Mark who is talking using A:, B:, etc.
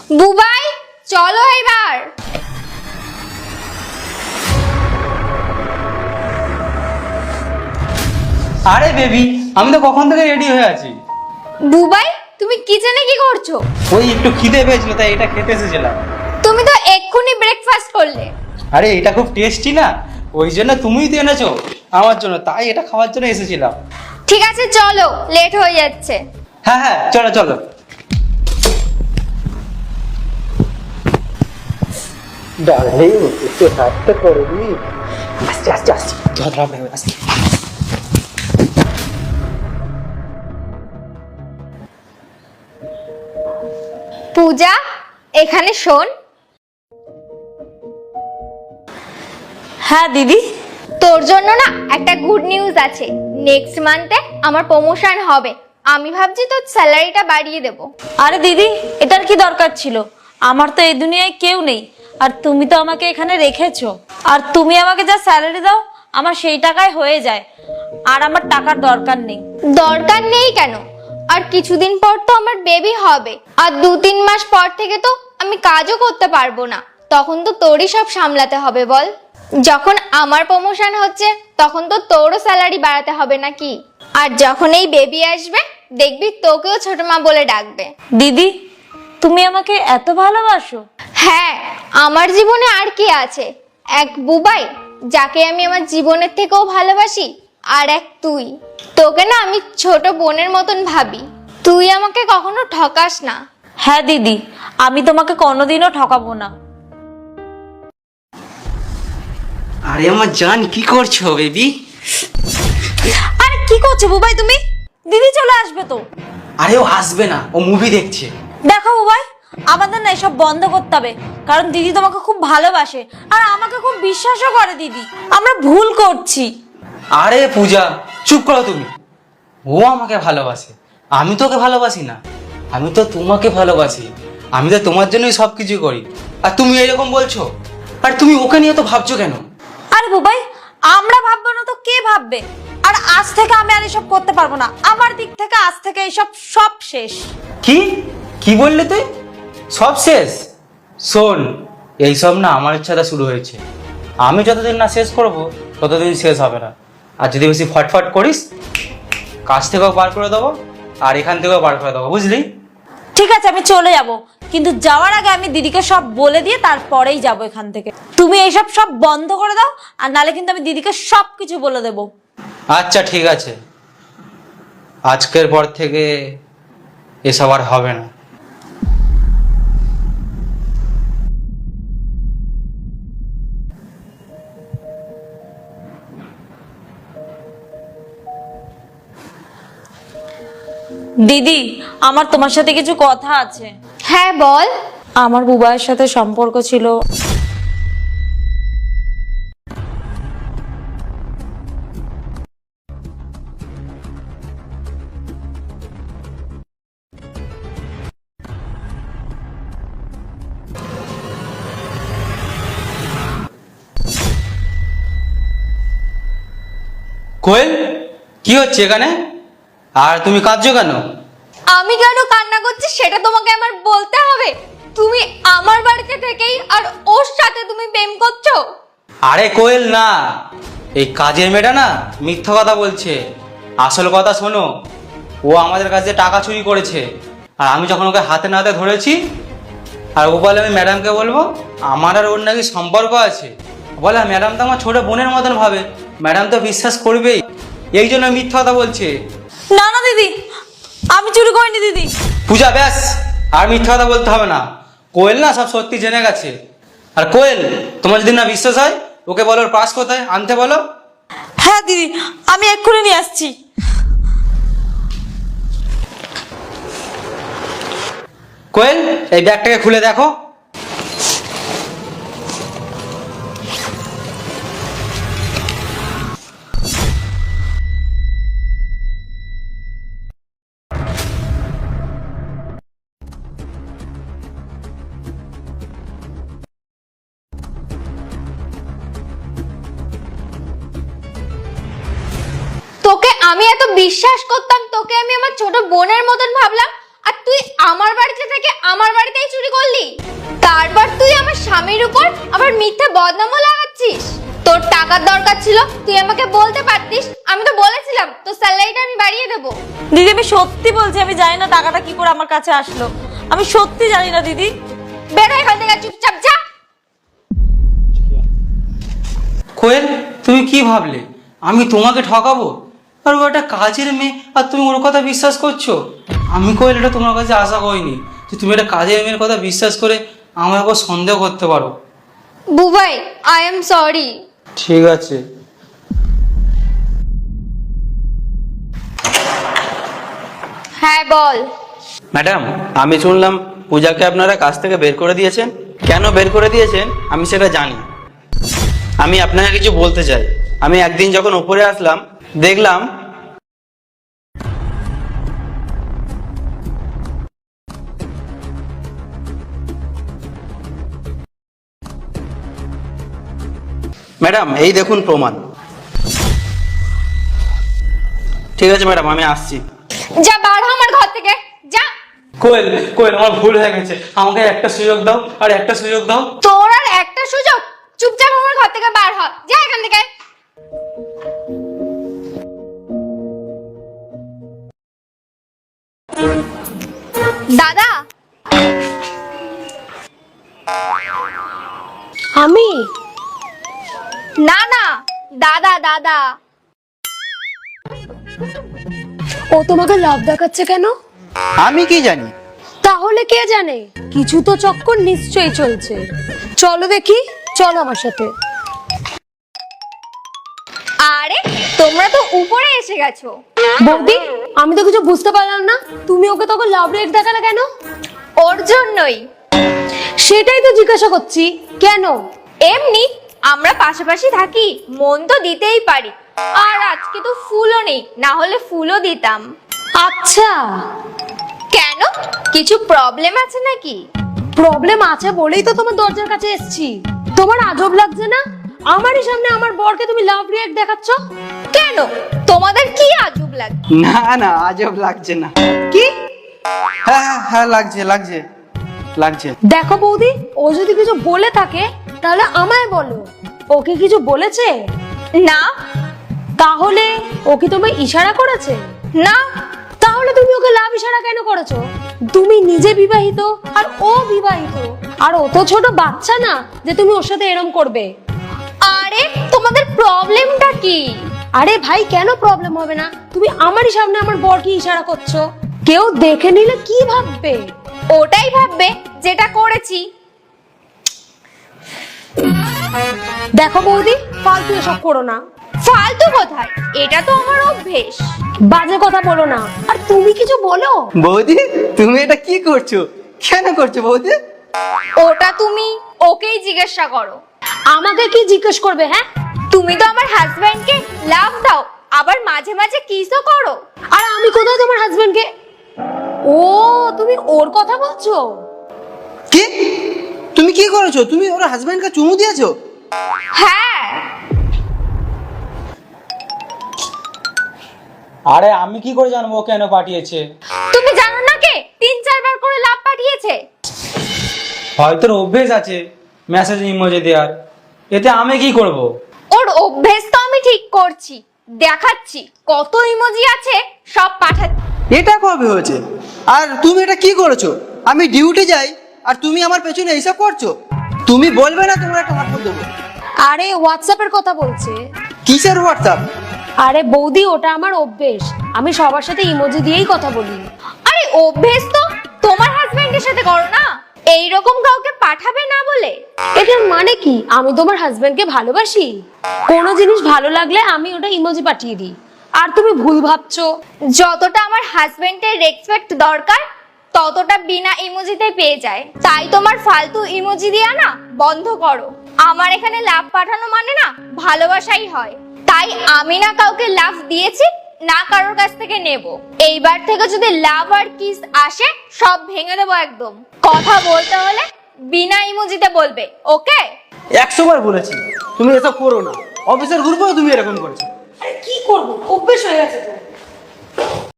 A: বুবাই, চলো এবার।
B: আরে বেবি, আমি তো কখন থেকে রেডি হয়ে আছি।
A: বুবাই, তুমি কিচেনে কি করছো?
B: ওই একটু খিদে পেয়েছিল তাই এটা খেতে এসেছিলাম।
A: তুমি তো এক্ষুনি ব্রেকফাস্ট করলে।
B: আরে এটা খুব টেস্টি না, ওই জন্য তুমিই তো এনেছো আমার জন্য, তাই এটা খাওয়ার জন্য এসেছিলাম।
A: ঠিক আছে চলো, লেট হয়ে যাচ্ছে।
B: হ্যাঁ হ্যাঁ, চলো চলো। ডার্লিং, একটু হাতটা করে দি। আস্তে আস্তে আস্তে, ঝগড়া হবে আস্তে।
A: পূজা, এখানে শোন।
C: হ্যাঁ দিদি।
A: তোর জন্য না একটা গুড নিউজ আছে। নেক্সট মান্থে আমার প্রমোশন হবে। আমি ভাবছি তোর স্যালারিটা বাড়িয়ে দেব।
C: আরে দিদি, এটার কি দরকার ছিল? আমার তো এই দুনিয়ায় কেউ নেই, আর তুমি তো আমাকে এখানে রেখেছো। আর তুমি আমাকে যা স্যালারি দাও আমার সেই টাকায় হয়ে যায়, আর আমার টাকার দরকার নেই।
A: দরকার নেই কেন? আর কিছুদিন পর তো আমার বেবি হবে, আর 2-3 মাস পর থেকে তো আমি কাজও করতে পারবো না। তখন তো তোরই সব সামলাতে হবে বল। যখন আমার প্রমোশন হচ্ছে তখন তো তোরও স্যালারি বাড়াতে হবে নাকি? আর যখন এই বেবি আসবে দেখবি তোকেও ছোট মা বলে ডাকবে।
C: দিদি, তুমি আমাকে এত ভালোবাসো?
A: হ্যাঁ, আমার জীবনে আর কি আছে? এক বুবাই, যাকে আমি আমার জীবনের থেকেও ভালোবাসি, আর এক তুই। তোকে না আমি ছোট বোনের মতন ভাবি। তুই আমাকে কখনো ঠকাস না।
C: হ্যাঁ দিদি, আমি তোমাকে কোনোদিনও ঠকাবো না।
B: আরে আমার জান, কি করছো বেবি?
C: আরে কি করছো বুবাই তুমি? দিদি চলে আসবে তো।
B: আরে ও আসবে না, ও মুভি দেখছে।
C: দেখো বুবাই, আমাদের না এসব বন্ধ করতে হবে, কারণ দিদি তোমাকে খুব ভালোবাসে আর আমাকে খুব বিশ্বাসও করে। দিদি, আমরা ভুল করছি।
B: আরে পূজা, চুপ করো তুমি। ও আমাকে ভালোবাসে, আমি তোকে ভালোবাসি না। আমি তো তোমাকে ভালোবাসি, আমি তো তোমার জন্যই সব কিছু করি। আর তুমি এরকম বলছো? আর তুমি ওকে নিয়ে তো ভাবছো কেন?
C: আরে বুবাই, আমরা ভাববো না তো কে ভাববে? আর আজ থেকে আমি আর এসব করতে পারবো না। আমার দিক থেকে আজ থেকে এইসব সব শেষ।
B: কি কি বললে তুই? সব শেষ? শোন, এইসব না আমার ইচ্ছাটা শুরু হয়েছে। আমি যতদিন না শেষ করব ততদিন শেষ হবে না। আর যদি বেশি ফটফট করিস, কাজ থেকেও বার করে দেবো আর এখান থেকেও বার করে দেবো, বুঝলি?
C: ঠিক আছে, আমি চলে যাব, কিন্তু যাওয়ার আগে আমি দিদিকে সব বলে দিয়ে তারপরেই যাব এখান থেকে। তুমি এইসব সব বন্ধ করে দাও, আর নালে কিন্তু আমি দিদিকে সব কিছু বলে দেবো।
B: আচ্ছা ঠিক আছে, আজকের পর থেকে এসব আর হবে না।
C: দিদি, আমার তোমার সাথে কিছু কথা আছে।
A: হ্যাঁ বল।
C: আমার বুবাইয়ের সাথে সম্পর্ক ছিল।
B: কোয়েল, কি হচ্ছে এখানে? আর তুমি কাঁদছো কেন?
A: আমি কেন কান্না করছি সেটা তোমাকে আমার বলতে হবে? তুমি আমার বাড়িতে থেকেই আর ওর সাথে তুমি প্রেম করছো?
B: আরে কোয়েল না, এই কাজের মেয়েটা না মিথ্যা কথা বলছে। আসল কথা শোনো, ও আমাদের কাছে টাকা চুরি করেছে। আর আমি যখন ওকে হাতে নাতে ধরেছি, আর ও বলে আমি ম্যাডামকে বলবো, আমার আর ওর নাকি সম্পর্ক আছে। বলে ম্যাডাম তো আমার ছোট বোনের মতন ভাবে, ম্যাডাম তো বিশ্বাস করবেই, এই জন্য মিথ্যা কথা বলছে।
C: না না দিদি, আমি চুরি করিনি দিদি।
B: পূজা, ব্যাস, আর মিথ্যা কথা বলতে হবে না। কোয়েল না সব সত্যি জেনে গেছে। আর কোয়েল, তোমার যদি না বিশ্বাস হয়, ওকে বলো ওর পাস কোথায় আনতে বলো।
C: হ্যাঁ দিদি, আমি এক্ষুনি নিয়ে আসছি।
B: কোয়েল, এই ব্যাগটাকে খুলে দেখো।
A: তোকে আমি এত বিশ্বাস করতাম, তোকে আমি আমার ছোট বোনের মতন ভাবলাম, আর তুই আমার বাড়িতে থেকে আমার বাড়িতেই চুরি করলি? তারপর তুই আমার স্বামীর উপর আবার মিথ্যা বদনামও লাগাচ্ছিস। তোর টাকার দরকার ছিল, তুই আমাকে বলতে পারতিস। আমি তো বলেছিলাম তোর স্যালারিটা আমি বাড়িয়ে দেবো।
C: দিদি আমি সত্যি বলছি, আমি জানি না টাকাটা কি করে আমার কাছে আসলো, আমি সত্যি জানি না দিদি।
A: বেরো এখান থেকে, চুপচাপ যা।
B: কোয়েল, তুমি কি ভাবলে আমি তোমাকে ঠকাবো? আর ও একটা কাজের মেয়ে আর তুমি ওর কথা বিশ্বাস করছো? আমি কোয়েল এটা তোমার কাছে আশা করিনি যে তুমি একটা কাজের মেয়ের কথা বিশ্বাস করে আমার উপর সন্দেহ করতে পারো।
A: Bubai, I am sorry.
B: ঠিক আছে।
A: হ্যাঁ বল।
D: ম্যাডাম, আমি শুনলাম পূজাকে আপনারা কাজ থেকে বের করে দিয়েছেন। কেন বের করে দিয়েছেন আমি সেটা জানি। আমি আপনাকে কিছু বলতে চাই। আমি একদিন যখন উপরে আসলাম দেখলাম ম্যাডাম, এই দেখুন প্রমাণ। ঠিক আছে ম্যাডাম, আমি আসছি।
A: যা, বার হ আমার ঘর থেকে, যা।
B: কোয়েল, কোয়েল আমার ভুল হয়ে গেছে, আমাকে একটা সুযোগ দাও, আর একটা সুযোগ দাও।
A: তোর আর একটা সুযোগ? চুপচাপ আমার ঘর থেকে বার হ, যা এখান থেকে। দাদা,
E: আমি
A: না না, দাদা দাদা।
E: ও তোমাকে লাভ দেখাচ্ছে কেন?
D: আমি কি জানি?
E: তাহলে কে জানে, কিছু তো চক্কর নিশ্চয়ই চলছে। চলো দেখি, চলো আমার সাথে।
A: আরে তোমরা তো উপরে এসে গেছো।
E: বৌদি, আমি তো কিছু বুঝতে পারলাম না, তুমি ওকে তখন লাভ রেট দেখালে কেন?
A: ওর জন্যই।
E: সেটাই তো জিজ্ঞাসা করছি, কেন?
A: এমনি আমরা পাশাপাশি থাকি, মন তো দিতেই পারি। আর আজকে তো ফুলও নেই, না হলে ফুলও দিতাম।
E: আচ্ছা,
A: কেন, কিছু প্রবলেম আছে নাকি?
E: প্রবলেম আছে বলেই তো তোমার দরজার কাছে এসেছি। তোমার আজব লাগছে না আমারই সামনে আমার বরকে তুমি লাভ রিয়েক্ট দেখাচ্ছ?
A: কেন, তোমাদের কি আজব লাগে?
D: না না, আজব লাগছে না।
E: কি?
D: হ্যাঁ হ্যাঁ হ্যাঁ, লাগছে লাগছে লাগছে।
E: দেখো বৌদি, ও যদি কিছু বলে থাকে তাহলে আমায় বলো। ওকে কিছু বলেছে?
A: না।
E: তাহলে ও কি তোমায় ইশারা করেছে?
A: না।
E: তাহলে তুমি ওকে লাভ ইশারা কেন করেছো? তুমি নিজে বিবাহিত আর ও বিবাহিত, আর ও তো ছোট বাচ্চা না যে তুমি ওর সাথে এরম করবে।
A: আরে তোমাদের প্রবলেমটা কি?
E: আরে ভাই, কেন প্রবলেম হবে না? তুমি আমারই সামনে আমার বরকে ইশারা করছো, কেউ দেখে নিলে কি ভাববে?
A: ওটাই ভাববে যেটা করেছি।
E: দেখো বৌদি, ফালতু এসব করো না।
A: ফালতু কোথায়, এটা তো আমার অভ্যেস।
E: বাজে কথা বলো না, আর তুমি কিছু বলো।
D: বৌদি, তুমি এটা কি করছো? কেন করছো বৌদি?
A: ওটা তুমি ওকেই জিজ্ঞাসা করো।
E: আমাকে কি জিজ্ঞেস করবে? হ্যাঁ,
A: তুমি তো আমার হাজবেন্ডকে লাভ দাও, আবার মাঝে মাঝে কিসও করো।
E: আর আমি কোথায় তোমার হাজবেন্ডকে? ও, তুমি ওর কথা বলছো?
D: কি? তুমি কি করেছো? তুমি ওর হাজবেন্ডকে চুমু দিয়েছো?
A: হ্যাঁ।
B: আরে আমি কি করে জানবো ও কেন পাঠিয়েছে?
A: তুমি জানো না কে 3-4 বার করে লাভ পাঠিয়েছে?
B: হয়তো ওর অভ্যেস আছে মেসেজ ইমোজি দেওয়ার, এতে আমি কি করব?
A: ওর অভ্যেস তো আমি ঠিক করছি, দেখাচ্ছি কত ইমোজি আছে, সব পাঠাচ্ছি।
D: এটা কবে হয়েছে? আর তুমি এটা কি করেছো? আমি ডিউটি যাই আর তুমি আমার পেছনে এইসব করছো? তুমি বলবে না তোমার একটা হাত দেবো?
E: আরে হোয়াটসঅ্যাপের কথা বলছে।
D: কিসের হোয়াটসঅ্যাপ?
E: আরে বৌদি, ওটা আমার অভ্যেস, আমি সবার সাথে ইমোজি দিয়েই কথা বলি।
A: আরে অভ্যেস তো তোমার হাজবেন্ডের সাথে করো না, এইরকম কাউকে পাঠাবে না বলে।
E: এটার মানে কি? আমি তোমার হাজবেন্ডকে ভালোবাসি, কোনো জিনিস ভালো লাগলে আমি ওটা ইমোজি পাঠিয়ে দিই। আর তুমি ভুল ভাবছো।
A: যতটা আমার হাজবেন্ডের রেসপেক্ট দরকার ততটা বিনা ইমোজিতে পেয়ে যায়। তাই তোমার ফালতু ইমোজি দিয়া না বন্ধ করো। আমার এখানে লাভ পাঠানো মানে না ভালোবাসাই হয়। তাই আমি না কাউকে লাভ দিয়েছি, না কারোর কাছ থেকে নেব। এইবার থেকে যদি লাভ আর কিস আসে সব ভেঙে দেবো একদম। কথা বলতে হলে বিনা ইমোজিতে বলবে, ওকে?
D: 100 বার বলেছি তুমি এসব করো না। অফিসের গ্রুপেও তুমি এরকম করেছো।
E: কি করবো, অভ্যেস হয়ে গেছে তো।